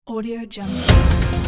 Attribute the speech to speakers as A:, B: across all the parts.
A: Audio Jungle.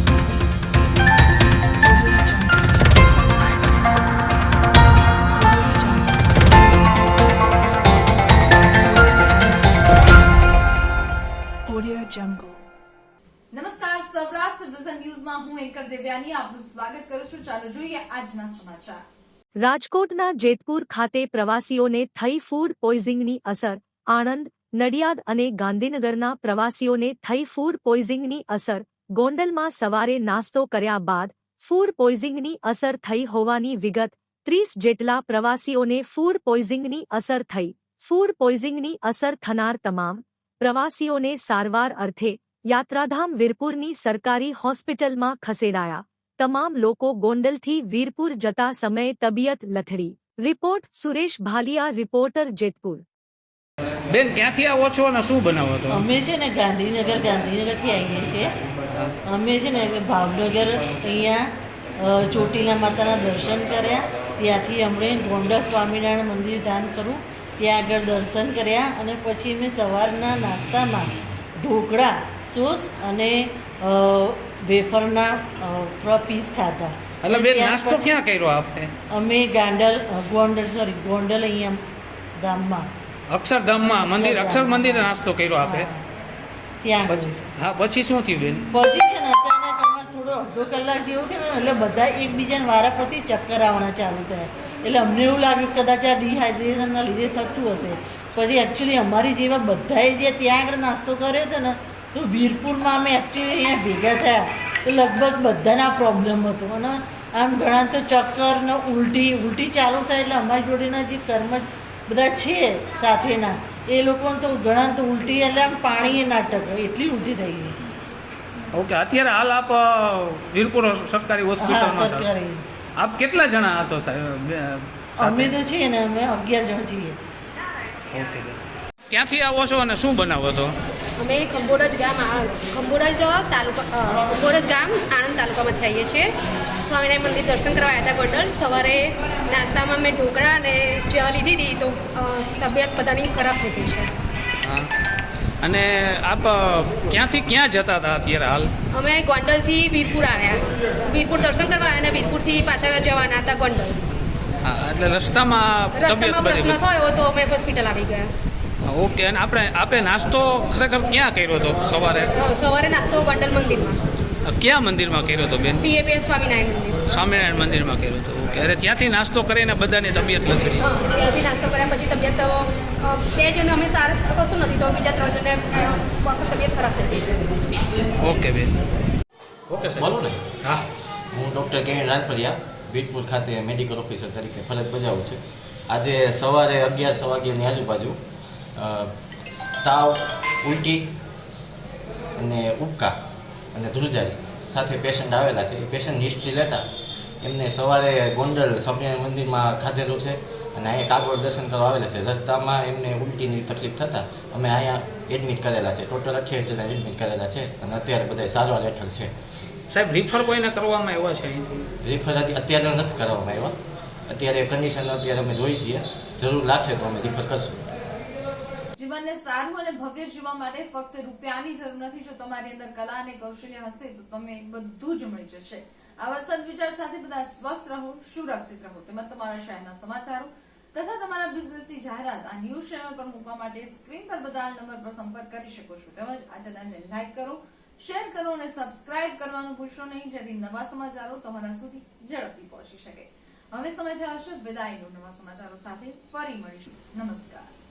A: Audio Jungle.
B: નમસ્કાર, Saurashtra vision ન્યૂઝમાં હું એન્કર દેવ્યાની આપનું સ્વાગત કરું છું. ચાલો જોઈએ આજના સમાચાર.
C: રાજકોટના જેતપુર ખાતે પ્રવાસીઓને થઈ ફૂડ પોઈઝનિંગની અસર. આણંદ, નડિયાદ અને ગાંધીનગરના પ્રવાસીઓને થઈ ફૂડ પોઈઝનિંગની અસર. ગોંડલમાં સવારે નાસ્તો કર્યા બાદ ફૂડ પોઈઝનિંગની અસર થઈ હોવાની વિગત. 30 જેટલા પ્રવાસીઓને ફૂડ પોઈઝનિંગની અસર થઈ. ફૂડ પોઈઝનિંગની અસર થનાર તમામ પ્રવાસીઓને સારવાર અર્થે યાત્રાધામ વીરપુરની સરકારી હોસ્પિટલમાં ખસેડાયા. તમામ લોકો ગોંડલથી વીરપુર જતા સમયે તબિયત લથડી. Report Suresh Bhaliya, reporter Jetpur.
D: બેન, ક્યાંથી આવો છો અને શું બનાવો છો?
E: અમે છે ને ગાંધીનગરથી આવીએ છીએ. અમે છે ને ભાવનગર અહીંયા ચોટીલા માતાના દર્શન કર્યા. ત્યાંથી અમને ગોંડલ સ્વામિનારાયણ મંદિર ધામ કરું ત્યાં આગળ દર્શન કર્યા અને પછી અમે સવારના નાસ્તામાં ઢોકળા, સોસ અને વેફરના થોડા પીસ ખાધા.
D: એટલે બેન, નાસ્તો ક્યાં કર્યો આપે?
E: અમે ગોંડલ અહીંયા ધામમાં
D: અક્ષરધામમાં મંદિર, અક્ષર મંદિરે નાસ્તો કર્યો આપે.
E: ત્યાં
D: હા, પછી શું થયું બેન?
E: પછી છે ને અચાનક અમારે થોડો અડધો કલાક જેવું થયું ને એટલે બધા એકબીજાને વારાફરતી ચક્કર આવવાના ચાલુ થયા. એટલે અમને એવું લાગ્યું કદાચ આ ડિહાઇડ્રેશનના લીધે થતું હશે. પછી એકચ્યુઅલી અમારી જેવા બધાએ જે ત્યાં આગળ નાસ્તો કર્યો હતો ને તો વીરપુરમાં અમે એકચ્યુઅલી અહીંયા ભેગા થયા તો લગભગ બધાના પ્રોબ્લેમ હતો. અને આમ ઘણા તો ચક્કર ને ઉલટી ચાલુ થાય એટલે અમારી જોડેના જે બધા છે સાથેના એ લોકોને તો ઘણા તો ઉલટી એટલે આમ પાણી નાટક એટલી ઉલટી થઈ ગઈ.
D: ઓકે, અત્યારે હાલ આપ વીરપુર સરકારી હોસ્પિટલમાં
E: સરકારી.
D: આપ કેટલા જણા હતો સાહેબ?
E: અમે તો છીએ ને અમે 11 જણ છીએ.
D: ઓકે, ક્યાંથી આવો છો અને શું બનાવો છો?
F: અમે ખંભોરજ ગામ આણંદ તાલુકામાંથી આવીએ છીએ. સ્વામિનારાયણ મંદિર દર્શન કરવા આવ્યા હતા ગોંડલ. સવારે નાસ્તામાં મેં ઢોકળા અને ચા લીધી હતી તો તબિયત બધાની ખરાબ થઈ ગઈ છે.
D: હા, અને આપ ક્યાંથી ક્યાં જતા હતા અત્યારે હાલ?
F: અમે ગોંડલથી વીરપુર આવ્યા. વીરપુર દર્શન કરવા આવ્યા અને વીરપુરથી પાછા જવાના હતા ગોંડલ.
D: હા, એટલે રસ્તામાં
F: પ્રશ્ન થયો તો અમે હોસ્પિટલ આવી ગયા.
D: ઓકે, અને આપે નાસ્તો ખરેખર ક્યાં કર્યો હતો સવારે?
F: સવારે નાસ્તો ગોંડલ મંદિરમાં.
D: ક્યાં મંદિરમાં કર્યો હતો બેન?
F: PAPS સ્વામિનારાયણ મંદિર.
D: સ્વામિનારાયણ મંદિરમાં કર્યો હતો. ઓકે, અરે ત્યાંથી નાસ્તો કરીને બધાની તબિયત લથડી?
F: ત્યાંથી નાસ્તો કર્યા પછી તબિયત 2 જણ અમે સારા કશું નથી તો બીજા 3 જણને વખત તબિયત ખરાબ થઈ ગઈ છે.
D: ઓકે બેન. ઓકે સાહેબ,
G: બોલો ને.
D: હા,
G: હું ડૉક્ટર કે રાજપરિયા વીરપુર ખાતે મેડિકલ ઓફિસર તરીકે ફરજ બજાવું છું. આજે સવારે 11 વાગ્યાની આજુબાજુ તાવ, ઉલટી અને ઉબકા અને ધ્રુજારી સાથે પેશન્ટ આવેલા છે. એ પેશન્ટ હિસ્ટ્રી લેતા એમને સવારે ગોંડલ સ્વામિનારાયણ મંદિરમાં ખાધેલું છે અને અહીંયા કાગોળ દર્શન કરવા આવેલા છે. રસ્તામાં એમને ઉલટીની તકલીફ થતાં અમે અહીંયા એડમિટ કરેલા છે. ટોટલ 28 જણા એડમિટ કરેલા છે અને અત્યારે બધા સારવાર હેઠળ છે.
D: સાહેબ, રિફર કોઈને કરવામાં આવ્યા છે અહીંથી?
G: રિફર અત્યારે નથી કરવામાં આવ્યા. અત્યારે કન્ડિશન અત્યારે અમે જોઈ છીએ. જરૂર લાગશે તો અમે રિફર કરશું.
B: જીવનને સારું અને ભવ્ય જીવવા માટે ફક્ત રૂપિયાની જરૂર નથી. જો તમારી અંદર કલા અને કૌશલ્ય હશે તો તમે બધું જ મળી જશે. આવા સદવિચાર સાથે બધા સ્વસ્થ રહો, સુરક્ષિત રહો. તેમજ તમારા શહેરના સમાચારો તથા તમારા બિઝનેસની જાહેરાત આ ન્યૂઝ ચેનલ પર મૂકવા માટે સ્ક્રીન પર બધા નંબર પર સંપર્ક કરી શકો છો. તેમજ આ ચેનલને લાઈક કરો, શેર કરો અને સબસ્ક્રાઇબ કરવાનું ભૂલશો નહીં, જેથી નવા સમાચારો તમારા સુધી ઝડપથી પહોંચી શકે. હવે સમય થયો છે વિદાયનો. નવા સમાચારો સાથે ફરી મળીશું. નમસ્કાર.